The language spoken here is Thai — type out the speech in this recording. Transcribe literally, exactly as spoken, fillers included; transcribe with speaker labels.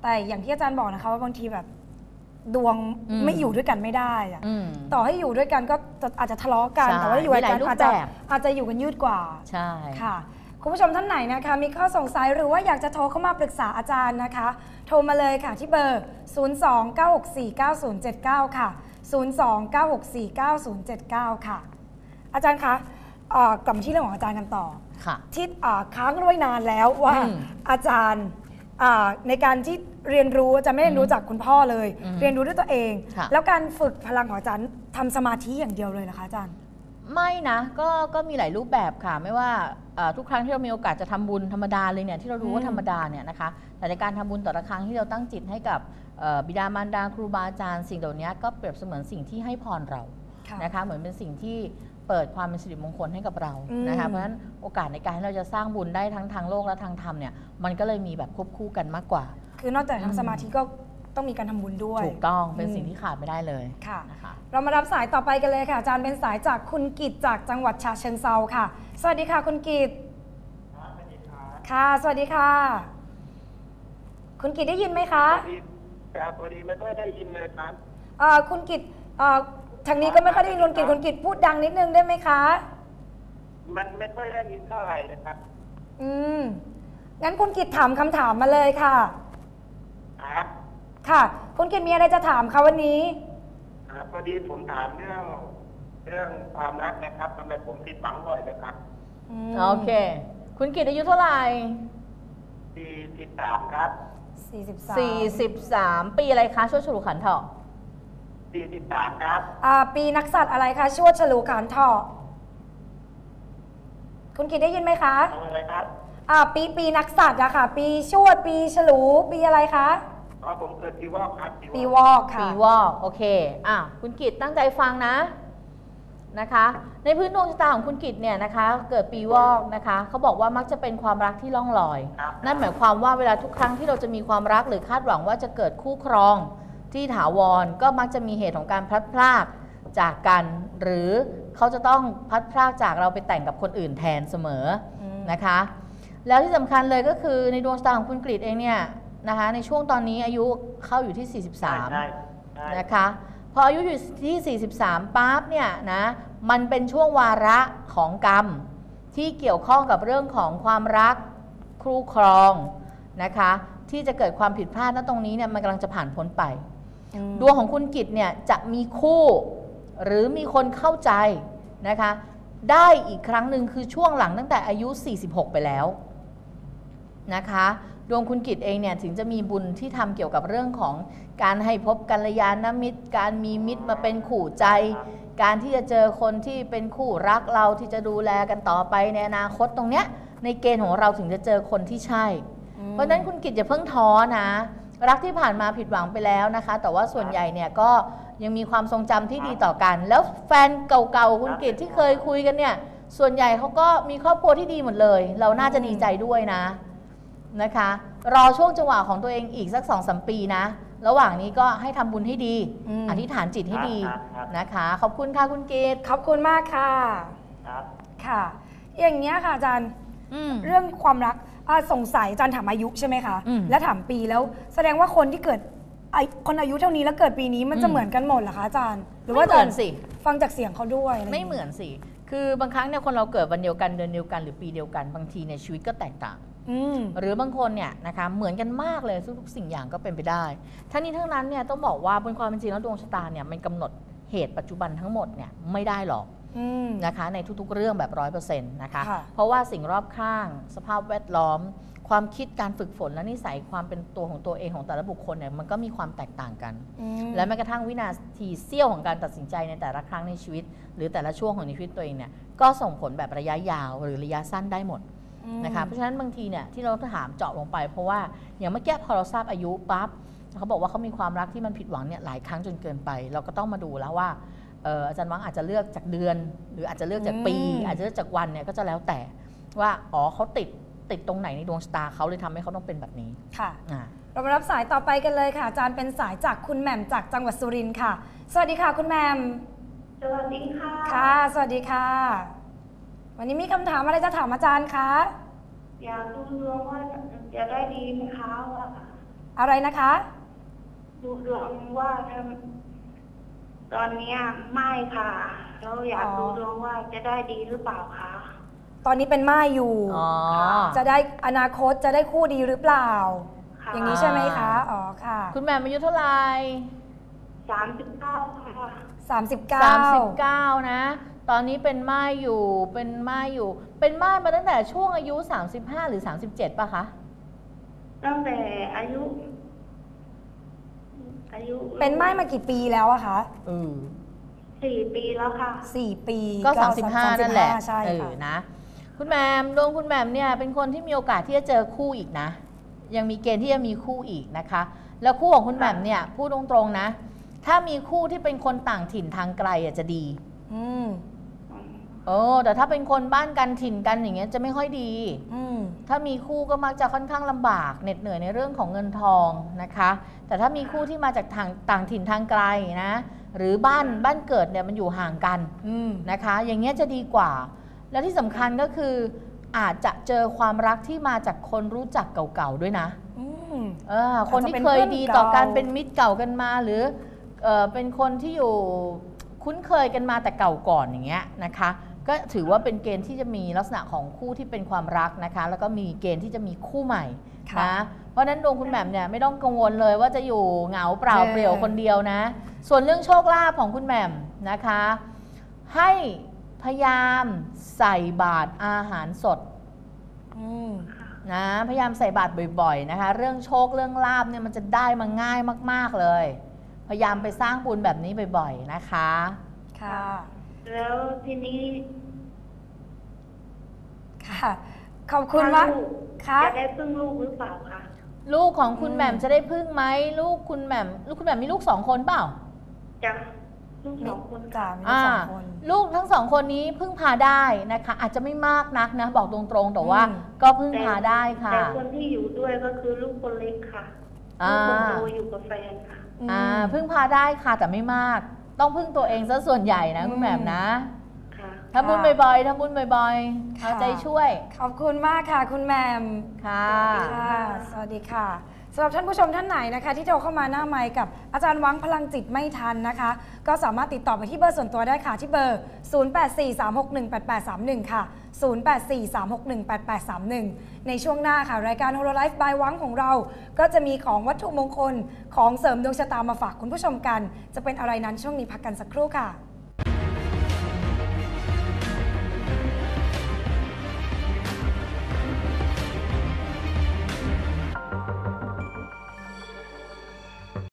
Speaker 1: แต่อย่างที่อาจารย์บอกนะคะว่าบางทีแบบดวงไม่อยู่ด้วยกันไม่ได้อะต่อให้อยู่ด้วยกันก็อาจจะทะเลาะกันแต่ว่าอยู่ด้วยกันอาจจะอาจจะอยู่กันยืดกว่า
Speaker 2: ใช่
Speaker 1: ค่ะคุณผู้ชมท่านไหนนะคะมีข้อสงสัยหรือว่าอยากจะโทรเข้ามาปรึกษาอาจารย์นะคะโทรมาเลยค่ะที่เบอร์ ศูนย์ สอง เก้า หก สี่ เก้า ศูนย์ เจ็ด เก้า ค่ะ ศูนย์ สอง เก้า หก สี่ เก้า ศูนย์ เจ็ด เก้า ค่ะอาจารย์คะกลับมาที่เรื่องของอาจารย์กันต่อที่ค้างไว้นานแล้วว่าอาจารย์ในการที่เรียนรู้จะไม่เรียนรู้จากคุณพ่อเลยเรียนรู้ด้วยตัวเองแล้วการฝึกพลังของอาจารย์ทำสมาธิอย่างเดียวเลยนะคะอาจารย์
Speaker 2: ไม่นะก็ก็มีหลายรูปแบบค่ะไม่ว่าทุกครั้งที่เรามีโอกาสจะทำบุญธรรมดาเลยเนี่ยที่เรารู้ว่าธรรมดาเนี่ยนะคะแต่ในการทำบุญแต่ละครั้งที่เราตั้งจิตให้กับบิดามารดาครูบาอาจารย์สิ่งเหล่านี้ก็เปรียบเสมือนสิ่งที่ให้พรเรานะคะเหมือนเป็นสิ่งที่เปิดความเป็นสิริมงคลให้กับเรานะคะเพราะฉะนั้นโอกาสในการที่เราจะสร้างบุญได้ทั้งทางโลกและทางธรรมเนี่ยมันก็เลยมีแบบควบคู่กันมากกว่า
Speaker 1: คือนอกจากทำสมาธิก็ต้องมีการทำบุญด้วย
Speaker 2: ถูกต้องเป็นสิ่งที่ขาดไม่ได้เลย
Speaker 1: ค่ะนะคะเรามารับสายต่อไปกันเลยค่ะอาจารย์เป็นสายจากคุณกิตจากจังหวัดฉะเชิงเทราค่ะสวัสดีค่ะคุณกิตค่ะสวัสดีค่ะคุณกิตได้ยินไหมคะ
Speaker 3: ครับพอดีไม่ค่อยได้ยินเลยครับ
Speaker 1: คุณกิตทางนี้ก็ไม่ค่อยได้ยินคุณกิตคุณกิตพูดดังนิดนึงได้ไหมคะ
Speaker 3: มันไม่ค่อยได้ยินเท่าไหร่นะครับ
Speaker 1: อืมงั้นคุณกิตถามคำถามมาเลยค่ะ
Speaker 3: ครับ
Speaker 1: ค่ะคุณกิตมีอะไรจะถามคะวันนี้
Speaker 3: ครับพอดีผมถามเรื่องเรื่องความรักนะครับทำไมผมผิดหวังบ่อยนะครับ
Speaker 2: โอเคคุณกิตอายุเท่าไหร่
Speaker 3: สี่สิบสามครับ
Speaker 1: สี่สิบสาม
Speaker 2: สี่สิบสามปีอะไรคะชวดฉลูขันเถาะ
Speaker 3: สี่สิบสามครับ
Speaker 1: อ่าปีนักสัตว์อะไรคะชวดฉลูขันเถาะคุณกิตได้ยินไหมคะ
Speaker 3: อะไรครับ
Speaker 1: อ่าปีปีนักสัตว์อะค่ะปีชวดปีฉลูปีอะไรคะ
Speaker 3: อ๋อผมเกิดปีวอกครับ
Speaker 1: ปีวอกค่ะ
Speaker 2: ปีวอกโอเคอ่ะคุณกิตตั้งใจฟังนะนะคะในพื้นดวงชะตาของคุณกิตเนี่ยนะคะเกิดปีวอกนะคะเขาบอกว่ามักจะเป็นความรักที่ล่องลอยนั่นหมายความว่าเวลาทุกครั้งที่เราจะมีความรักหรือคาดหวังว่าจะเกิดคู่ครองที่ถาวรก็มักจะมีเหตุของการพลัดพรากจากกันหรือเขาจะต้องพลัดพรากจากเราไปแต่งกับคนอื่นแทนเสมอนะคะแล้วที่สำคัญเลยก็คือในดวงชะตาของคุณกฤษเองเนี่ยนะคะในช่วงตอนนี้อายุเข้าอยู่ที่สี่สิบสามนะคะพออายุอยู่ที่สี่สิบสามปั๊บเนี่ยนะมันเป็นช่วงวาระของกรรมที่เกี่ยวข้องกับเรื่องของความรักคู่ครองนะคะที่จะเกิดความผิดพลาดณตรงนี้เนี่ยมันกำลังจะผ่านพ้นไปดวงของคุณกิตเนี่ยจะมีคู่หรือมีคนเข้าใจนะคะได้อีกครั้งหนึ่งคือช่วงหลังตั้งแต่อายุสี่สิบหกไปแล้วนะคะดวงคุณกิตเองเนี่ยถึงจะมีบุญที่ทำเกี่ยวกับเรื่องของการให้พบกัลยาณมิตรการมีมิตรมาเป็นคู่ใจการที่จะเจอคนที่เป็นคู่รักเราที่จะดูแลกันต่อไปในอนาคตตรงเนี้ยในเกณฑ์ของเราถึงจะเจอคนที่ใช่เพราะฉะนั้นคุณกิตอย่าเพิ่งท้อนะรักที่ผ่านมาผิดหวังไปแล้วนะคะแต่ว่าส่วนใหญ่เนี่ยก็ยังมีความทรงจำที่ดีต่อกันแล้วแฟนเก่าๆคุณกิตที่เคยคุยกันเนี่ยส่วนใหญ่เขาก็มีครอบครัวที่ดีหมดเลยเราน่าจะดีใจด้วยนะนะคะรอช่วงจังหวะของตัวเองอีกสัก สองถึงสาม ปีนะระหว่างนี้ก็ให้ทำบุญให้ดี อ, อธิษฐานจิตให้ดีนะคะขอบคุณค่ะคุณกิต
Speaker 1: ขอบคุณมากค่ะค่ะอย่างเงี้ยค่ะอาจารย์เรื่องความรักสงสัยอาจารย์ถามอายุใช่ไหมคะและถามปีแล้วแสดงว่าคนที่เกิดคนอายุเท่านี้แล้วเกิดปีนี้มันจะเหมือนกันหมดเหรอคะอาจารย์หรือว่า
Speaker 2: เหมือนสิ
Speaker 1: ฟังจากเสียงเขาด้วย
Speaker 2: ไม่เหมือนสิคือบางครั้งเนี่ยคนเราเกิดวันเดียวกันเดือนเดียวกันหรือปีเดียวกันบางทีในชีวิตก็แตกต่างหรือบางคนเนี่ยนะคะเหมือนกันมากเลยทุกสิ่งอย่างก็เป็นไปได้ทั้งนี้ทั้งนั้นเนี่ยต้องบอกว่าบนความเป็นจริงแล้วดวงชะตาเนี่ยมันกำหนดเหตุปัจจุบันทั้งหมดเนี่ยไม่ได้หรอกนะคะในทุกๆเรื่องแบบร้อยเปอร์เซ็นต์นะคะเพราะว่าสิ่งรอบข้างสภาพแวดล้อมความคิดการฝึกฝนและนิสัยความเป็นตัวของตัวเองของแต่ละบุคคลเนี่ยมันก็มีความแตกต่างกันและแม้กระทั่งวินาทีเสี้ยวของการตัดสินใจในแต่ละครั้งในชีวิตหรือแต่ละช่วงของชีวิตตัวเองเนี่ยก็ส่งผลแบบระยะยาวหรือระยะสั้นได้หมดนะคะเพราะฉะนั้นบางทีเนี่ยที่เราถามเจาะลงไปเพราะว่าอย่างเมื่อกี้พอเราทราบอายุปั๊บเขาบอกว่าเขามีความรักที่มันผิดหวังเนี่ยหลายครั้งจนเกินไปเราก็ต้องมาดูแล้วว่าอาจารย์วังอาจจะเลือกจากเดือนหรืออาจจะเลือกจากปีอาจจะเลือกจากวันเนี่ยก็จะแล้วแต่ว่าอ๋อเขาติดติดตรงไหนในดวงชะตาเขาเลยทำให้เขาต้องเป็นแบบนี้
Speaker 1: ค่ะเรามารับสายต่อไปกันเลยค่ะอาจารย์เป็นสายจากคุณแหม่มจากจังหวัดสุรินทร์ค่ะสวัสดีค่ะคุณแหม่ม
Speaker 4: สวัสดีค่ะ
Speaker 1: ค่ะสวัสดีค่ะวันนี้มีคำถามอะไรจะถามอาจารย์คะ
Speaker 4: อยากดูดวงว่าจะได้ดีไหมคะว่า
Speaker 1: อะไรนะคะ
Speaker 4: ดูดวงว่าทำตอนเนี้ยไม่ค่ะแล้วอยาก
Speaker 1: อ๋อ
Speaker 4: ดูดวงว่าจะได้ดีหรือเปล่าคะ
Speaker 1: ตอนนี้เป็นม่ายอยู่
Speaker 2: อ๋อ
Speaker 1: จะได้อนาคตจะได้คู่ดีหรือเปล่า
Speaker 4: ค่ะ
Speaker 1: อย่างนี้ใช่ไหมคะ อ๋อค่ะ
Speaker 2: คุณแหม่มอายุเท่าไหร่
Speaker 4: สามสิบเก้าค่ะ
Speaker 1: สามสิบเก้า
Speaker 2: สามสิบเก้านะ ตอนนี้เป็นม่ายอยู่ เป็นม่ายอยู่ เป็นม่ายมาตั้งแต่ช่วงอายุสามสิบห้าหรือสามสิบเจ็ดป่ะคะ
Speaker 4: ตั้งแต่อายุ อายุ
Speaker 1: เป็นม่ายมากี่ปีแล้วอะคะ
Speaker 2: อือ
Speaker 4: สี่ปีแล้วค่ะ
Speaker 1: สี่ปี
Speaker 2: ก็สามสิบห้านั่นแหละ
Speaker 1: ใช่
Speaker 2: เออ
Speaker 1: ค่ะ
Speaker 2: นะ คุณแหม่มดวงคุณแหม่มเนี่ยเป็นคนที่มีโอกาสที่จะเจอคู่อีกนะ ยังมีเกณฑ์ที่จะมีคู่อีกนะคะ แล้วคู่ของคุณแหม่มเนี่ยพูดตรงๆนะ ถ้ามีคู่ที่เป็นคนต่างถิ่นทางไกลอ่ะจะดี
Speaker 1: อืม
Speaker 2: เออแต่ถ้าเป็นคนบ้านกันถิ่นกันอย่างเงี้ยจะไม่ค่อยดี
Speaker 1: อืม
Speaker 2: ถ้ามีคู่ก็มักจะค่อนข้างลำบากเหน็ดเหนื่อยในเรื่องของเงินทองนะคะ แต่ถ้ามีคู่ที่มาจากทางต่างถิ่นทางไกลนะ หรือบ้านบ้านเกิดเนี่ยมันอยู่ห่างกัน
Speaker 1: อืม
Speaker 2: นะคะ อย่างเงี้ยจะดีกว่า และที่สำคัญก็คืออาจจะเจอความรักที่มาจากคนรู้จักเก่าๆด้วยนะ
Speaker 1: อืม
Speaker 2: เออคนที่เคยดีต่อกันเป็นมิตรเก่ากันมาหรือเออเป็นคนที่อยู่คุ้นเคยกันมาแต่เก่าก่อนอย่างเงี้ยนะคะ ก็ถือว่าเป็นเกณฑ์ที่จะมีลักษณะของคู่ที่เป็นความรักนะคะ แล้วก็มีเกณฑ์ที่จะมีคู่ใหม่
Speaker 1: ค่ะ
Speaker 2: นะเพราะฉะนั้นดวงคุณแหม่มเนี่ยไม่ต้องกังวลเลยว่าจะอยู่เหงาเปล่า
Speaker 1: เออ
Speaker 2: เปลี่ยวคนเดียวนะ ส่วนเรื่องโชคลาภของคุณแหม่มนะคะ ให้พยายามใส่บาตรอาหารสด
Speaker 1: อืม
Speaker 2: นะพยายามใส่บาตรบ่อยๆนะคะ เรื่องโชคเรื่องลาภเนี่ยมันจะได้มาง่ายมากๆเลย พยายามไปสร้างบุญแบบนี้บ่อยๆนะคะ
Speaker 1: ค่ะ
Speaker 4: แล้วทีนี้
Speaker 1: ค่ะ ขอบคุณมาก
Speaker 4: ลูก
Speaker 1: ค่ะ
Speaker 4: จะได้พึ่งลูกหรือเปล่าคะ
Speaker 2: ลูกของคุณ
Speaker 1: อืม
Speaker 2: แหม่มจะได้พึ่งไหมลูกคุณแหม่มลูกคุณแหม่มมีลูกสองคนเปล่า
Speaker 4: จะลูกสองคน
Speaker 1: จ่า
Speaker 4: ค่ะ
Speaker 1: มีลูกสองคน
Speaker 2: ลูกทั้งสองคนนี้พึ่งพาได้นะคะ อาจจะไม่มากนักนะบอกตรงๆแต่ว่า
Speaker 1: อืม
Speaker 2: ก็พึ่งพาได้ค่ะ
Speaker 4: แต่คนที่อยู่ด้วยก็คือลูกคนเล็กค่ะ
Speaker 2: อ่า
Speaker 4: ลูกคนโตอยู่กับแฟนค่ะ
Speaker 2: อ่าพึ่งพาได้ค่ะแต่ไม่มาก ต้องพึ่งตัวเองซะส่วนใหญ่นะคุณแหม่มนะ
Speaker 4: ค่ะ
Speaker 2: ทำบุญบ่อยๆทำบุญบ่อยๆเอาใจช่วย
Speaker 1: ขอบคุณมากค่ะ คุณแหมม
Speaker 2: ค่ะ
Speaker 1: ค่ะ สวัสดีค่ะสำหรับท่านผู้ชมท่านไหนนะคะ ที่โทรเข้ามาหน้าไมค์กับอาจารย์วังพลังจิตไม่ทันนะคะ ก็สามารถติดต่อไปที่เบอร์ส่วนตัวได้ค่ะ ที่เบอร์ ศูนย์ แปด สี่ สาม หก หนึ่ง แปด แปด สาม หนึ่ง ค่ะ ศูนย์ แปด สี่ สาม หก หนึ่ง แปด แปด สาม หนึ่ง ในช่วงหน้าค่ะ รายการ Hololive by วังของเรา ก็จะมีของวัตถุมงคลของเสริมดวงชะตามาฝากคุณผู้ชมกัน จะเป็นอะไรนั้นช่วงนี้พักกันสักครู่ค่ะ